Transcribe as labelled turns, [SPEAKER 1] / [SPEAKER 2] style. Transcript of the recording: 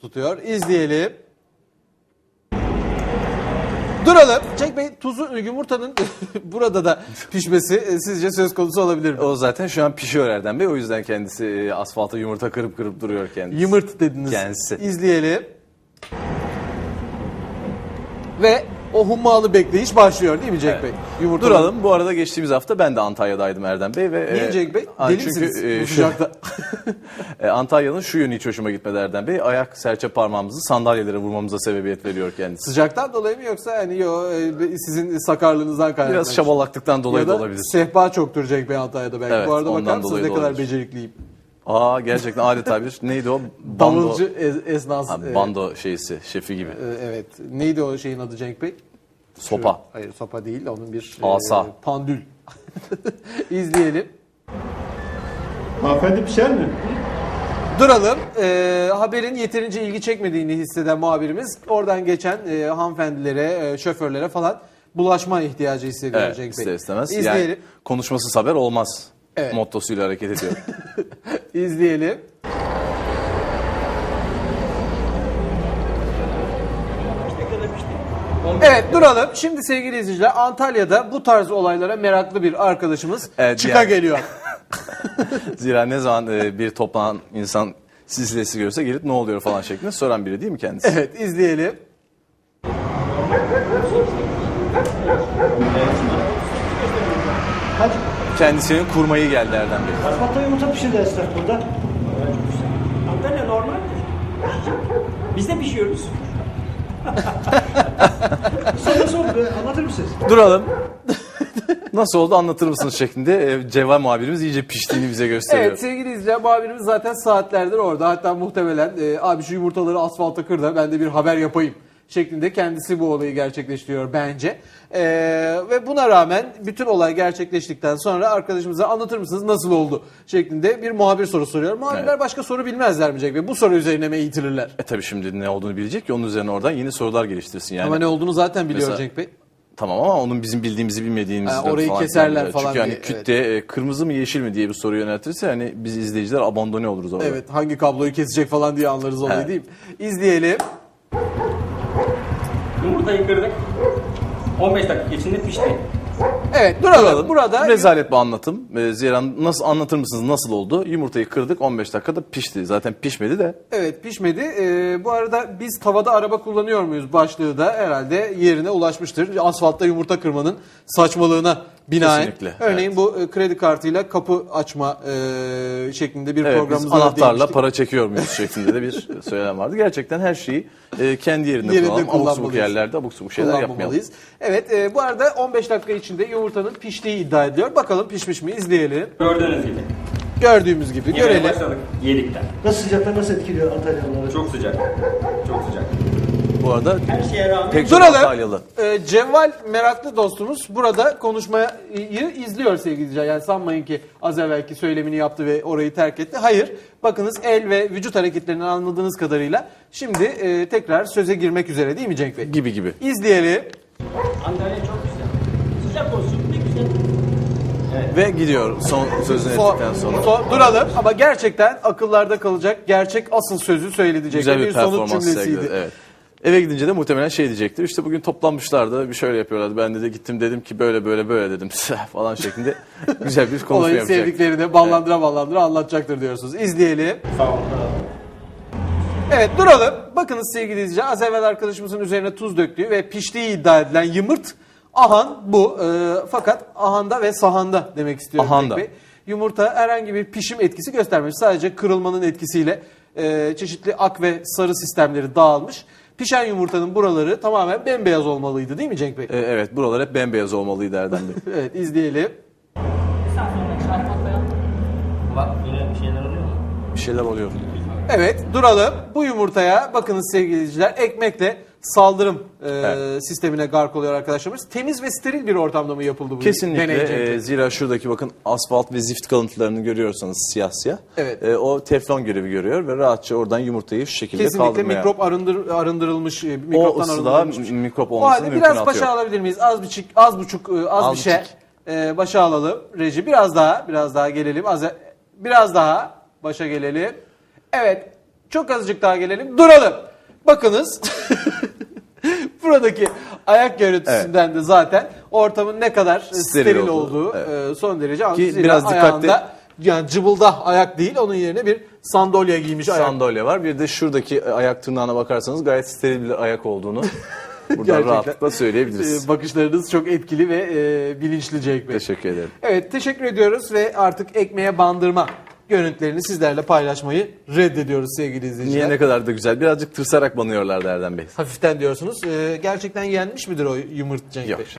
[SPEAKER 1] tutuyor. İzleyelim. Duralım. Cenk Bey, tuzu yumurtanın burada da pişmesi sizce söz konusu olabilir mi?
[SPEAKER 2] O zaten şu an pişiyor Erdem Bey. O yüzden kendisi asfalta yumurta kırıp duruyor kendisi.
[SPEAKER 1] Yımırt dediniz.
[SPEAKER 2] Kendisi.
[SPEAKER 1] İzleyelim. Ve o hummalı bekleyiş başlıyor değil mi Cenk
[SPEAKER 2] Evet.
[SPEAKER 1] Bey? Yumurtalar-
[SPEAKER 2] Duralım. Bu arada geçtiğimiz hafta ben de Antalya'daydım Erdem Bey. Ve,
[SPEAKER 1] Niye Cenk Bey? Deli misiniz bu sıcakta?
[SPEAKER 2] Antalya'nın şu yönü hiç hoşuma gitmedi Erdem Bey. Ayak serçe parmağımızı sandalyelere vurmamıza sebebiyet veriyor kendisi.
[SPEAKER 1] Sıcaktan dolayı mı yoksa hani sizin sakarlığınızdan kaynaklı?
[SPEAKER 2] Biraz şabalaklıktan dolayı
[SPEAKER 1] ya
[SPEAKER 2] da
[SPEAKER 1] da
[SPEAKER 2] olabilir.
[SPEAKER 1] sehpa çoktur Cenk Bey Antalya'da belki.
[SPEAKER 2] Evet,
[SPEAKER 1] Bu arada
[SPEAKER 2] ondan
[SPEAKER 1] bakar mısınız
[SPEAKER 2] dolayı
[SPEAKER 1] ne
[SPEAKER 2] da
[SPEAKER 1] kadar
[SPEAKER 2] olabilir.
[SPEAKER 1] becerikliyim?
[SPEAKER 2] Gerçekten adeta bir neydi o?
[SPEAKER 1] Davulcu esnası.
[SPEAKER 2] Bando şeysi, şefi gibi.
[SPEAKER 1] Evet. Neydi o şeyin adı Cenk Bey?
[SPEAKER 2] Sopa.
[SPEAKER 1] Hayır, sopa değil. Onun bir
[SPEAKER 2] Asa.
[SPEAKER 1] pandül. İzleyelim.
[SPEAKER 3] Hanımefendi pişer mi?
[SPEAKER 1] Duralım. Haberin yeterince ilgi çekmediğini hisseden muhabirimiz oradan geçen hanımefendilere, şoförlere falan bulaşma ihtiyacı hissediyor
[SPEAKER 2] Evet,
[SPEAKER 1] Cenk Bey.
[SPEAKER 2] ister istemez.
[SPEAKER 1] İzleyelim.
[SPEAKER 2] Yani konuşmasız haber olmaz.
[SPEAKER 1] Evet.
[SPEAKER 2] Mottosuyla hareket ediyor.
[SPEAKER 1] İzleyelim. Evet, duralım. Şimdi sevgili izleyiciler, Antalya'da bu tarz olaylara meraklı bir arkadaşımız
[SPEAKER 2] Evet,
[SPEAKER 1] çıka
[SPEAKER 2] yani.
[SPEAKER 1] geliyor.
[SPEAKER 2] Zira ne zaman bir toplanan insan silsilesi görse gelip ne oluyor falan şeklinde soran biri değil mi kendisi?
[SPEAKER 1] Evet, izleyelim.
[SPEAKER 3] Kaç?
[SPEAKER 2] Kendisinin kurmayı geldi Erdem Bey.
[SPEAKER 3] Asfaltta yumurta pişirdi esnaf burada.
[SPEAKER 4] Antalya normaldir. Biz de pişiyoruz.
[SPEAKER 3] Nasıl oldu be? Anlatır mısınız?
[SPEAKER 2] Duralım. Nasıl oldu anlatır mısınız şeklinde Cevval muhabirimiz iyice piştiğini bize gösteriyor.
[SPEAKER 1] Evet sevgili izleyiciler, muhabirimiz zaten saatlerdir orada. Hatta muhtemelen abi şu yumurtaları asfalta kır da ben de bir haber yapayım şeklinde kendisi bu olayı gerçekleştiriyor bence. Ve buna rağmen bütün olay gerçekleştikten sonra arkadaşımıza anlatır mısınız nasıl oldu şeklinde bir muhabir soru soruyor. Muhabirler
[SPEAKER 2] Evet.
[SPEAKER 1] başka soru bilmezler mi Cenk Bey? Bu soru üzerine mi eğitilirler?
[SPEAKER 2] Tabii şimdi ne olduğunu bilecek ki onun üzerine oradan yeni sorular geliştirsin yani.
[SPEAKER 1] Ama ne olduğunu zaten biliyor
[SPEAKER 2] Mesela-
[SPEAKER 1] Cenk Bey.
[SPEAKER 2] Tamam ama onun bizim bildiğimizi bilmediğimizi
[SPEAKER 1] orayı
[SPEAKER 2] falan
[SPEAKER 1] keserler
[SPEAKER 2] filan.
[SPEAKER 1] falan
[SPEAKER 2] Çünkü hani
[SPEAKER 1] diye,
[SPEAKER 2] küt de kırmızı mı yeşil mi diye bir soru yöneltirse hani biz izleyiciler abandone oluruz orada.
[SPEAKER 1] Evet, hangi kabloyu kesecek falan diye anlarız olayı
[SPEAKER 2] Evet.
[SPEAKER 1] değil mi? İzleyelim.
[SPEAKER 4] Yumurtayı kırdık. 15 dakika içinde pişti.
[SPEAKER 1] Evet, duralım.
[SPEAKER 2] Duralım.
[SPEAKER 1] Burada
[SPEAKER 2] Rezalet bir anlatım. Zira nasıl anlatır mısınız nasıl oldu? Yumurtayı kırdık 15 dakikada pişti. Zaten pişmedi de.
[SPEAKER 1] evet, pişmedi. Bu arada biz tavada araba kullanıyor muyuz başlığı da herhalde yerine ulaşmıştır. Asfaltta yumurta kırmanın saçmalığına binaen.
[SPEAKER 2] Kesinlikle,
[SPEAKER 1] Örneğin
[SPEAKER 2] evet.
[SPEAKER 1] bu kredi kartıyla kapı açma şeklinde bir
[SPEAKER 2] Evet, biz
[SPEAKER 1] programımızda da
[SPEAKER 2] anahtarla
[SPEAKER 1] değinmiştik.
[SPEAKER 2] para çekiyor muyuz şeklinde de bir söylem vardı. Gerçekten her şeyi kendi yerinde
[SPEAKER 1] Yerinde
[SPEAKER 2] kullanalım. Abuk subuk
[SPEAKER 1] kullanmalıyız.
[SPEAKER 2] yerlerde abuk subuk şeyler yapmayalım.
[SPEAKER 1] Kullanmamalıyız. Evet, bu arada 15 dakika içinde yumurtanın piştiği iddia ediliyor. Bakalım pişmiş mi izleyelim.
[SPEAKER 4] Gördüğünüz gibi.
[SPEAKER 1] Gördüğümüz gibi
[SPEAKER 4] Yemeğe
[SPEAKER 1] görelim.
[SPEAKER 4] başladık yedikten.
[SPEAKER 3] Nasıl sıcaklar nasıl etkiliyor Antalyalıları?
[SPEAKER 4] Çok sıcak. Çok sıcak.
[SPEAKER 2] Bu arada
[SPEAKER 4] Her şeye rağmen
[SPEAKER 2] pek çok
[SPEAKER 1] Duralım.
[SPEAKER 2] Antalyalı.
[SPEAKER 1] Cevval meraklı dostumuz burada konuşmayı izliyor sevgili izleyiciler. Yani sanmayın ki az evvelki söylemini yaptı ve orayı terk etti. Hayır. Bakınız el ve vücut hareketlerinden anladığınız kadarıyla şimdi tekrar söze girmek üzere değil mi Cenk Bey?
[SPEAKER 2] Gibi.
[SPEAKER 1] İzleyelim.
[SPEAKER 4] Antalya çok güzel. Sıcak olsun ne güzel.
[SPEAKER 2] Ve gidiyor son sözünü ettikten sonra.
[SPEAKER 1] Duralım ama gerçekten akıllarda kalacak gerçek asıl sözü söyledi Cenk
[SPEAKER 2] Güzel
[SPEAKER 1] Bey.
[SPEAKER 2] bir
[SPEAKER 1] Sonuç
[SPEAKER 2] performans
[SPEAKER 1] cümlesiydi.
[SPEAKER 2] sergiledi. Evet. Eve gidince de muhtemelen şey diyecektir. İşte bugün toplanmışlardı bir şöyle yapıyorlardı. Ben de gittim dedim ki böyle dedim falan şeklinde güzel bir konuşma
[SPEAKER 1] Olayı
[SPEAKER 2] yapacak.
[SPEAKER 1] sevdiklerini ballandıra anlatacaktır diyorsunuz. İzleyelim.
[SPEAKER 4] Sağ olun.
[SPEAKER 1] Evet, duralım. Bakınız sevgili izleyiciler, az evvel arkadaşımızın üzerine tuz döktüğü ve piştiği iddia edilen yımırt ahan bu. Fakat ahanda ve sahanda demek istiyorum
[SPEAKER 2] Ahanda.
[SPEAKER 1] Cenk Bey. Yumurta herhangi bir pişim etkisi göstermemiş. Sadece kırılmanın etkisiyle çeşitli ak ve sarı sistemleri dağılmış. Pişen yumurtanın buraları tamamen bembeyaz olmalıydı değil mi Cenk Bey?
[SPEAKER 2] Evet buralar hep bembeyaz olmalıydı Erdem Bey.
[SPEAKER 1] Evet, izleyelim.
[SPEAKER 4] Bak yine bir şeyler oluyor mu?
[SPEAKER 2] Bir şeyler oluyor.
[SPEAKER 1] Evet, duralım. Bu yumurtaya bakınız sevgili izleyiciler, ekmekle saldırım sistemine gark oluyor arkadaşlarımız. Temiz ve steril bir ortamda mı yapıldı bu deney Cenk Bey?
[SPEAKER 2] Kesinlikle. Zira şuradaki bakın asfalt ve zift kalıntılarını görüyorsanız siyah siyah.
[SPEAKER 1] Evet.
[SPEAKER 2] O teflon görevi görüyor ve rahatça oradan yumurtayı şu şekilde
[SPEAKER 1] Kesinlikle
[SPEAKER 2] kaldırmaya.
[SPEAKER 1] mikrop arındırılmış,
[SPEAKER 2] O
[SPEAKER 1] mikroptan
[SPEAKER 2] ısıda
[SPEAKER 1] arındırılmış.
[SPEAKER 2] mikrop
[SPEAKER 1] O
[SPEAKER 2] olmasını
[SPEAKER 1] halde
[SPEAKER 2] mümkün
[SPEAKER 1] biraz
[SPEAKER 2] atıyor.
[SPEAKER 1] başa alabilir miyiz? Az bir şey. Başa alalım. Reji biraz daha gelelim. Biraz daha başa gelelim. Evet. Çok azıcık daha gelelim. Duralım. Bakınız. Buradaki ayak görüntüsünden de zaten ortamın ne kadar steril olduğu son derece anlaşılıyor.
[SPEAKER 2] biraz dikkatli-
[SPEAKER 1] yani cıbılda ayak değil, onun yerine bir sandalye giymiş ayak.
[SPEAKER 2] Sandalye var. Bir de şuradaki ayak tırnağına bakarsanız gayet steril bir ayak olduğunu buradan
[SPEAKER 1] Gerçekten.
[SPEAKER 2] rahatlıkla söyleyebiliriz.
[SPEAKER 1] Bakışlarınız çok etkili ve bilinçli Cenk Bey.
[SPEAKER 2] Teşekkür ederim.
[SPEAKER 1] Evet, teşekkür ediyoruz ve artık ekmeğe bandırma görüntülerini sizlerle paylaşmayı reddediyoruz sevgili izleyiciler.
[SPEAKER 2] Niye, ne kadar da güzel. Birazcık tırsarak banıyorlardı Erdem Bey.
[SPEAKER 1] Hafiften diyorsunuz. Gerçekten yenmiş midir o yumurt Cenk
[SPEAKER 2] Yok.
[SPEAKER 1] Bey?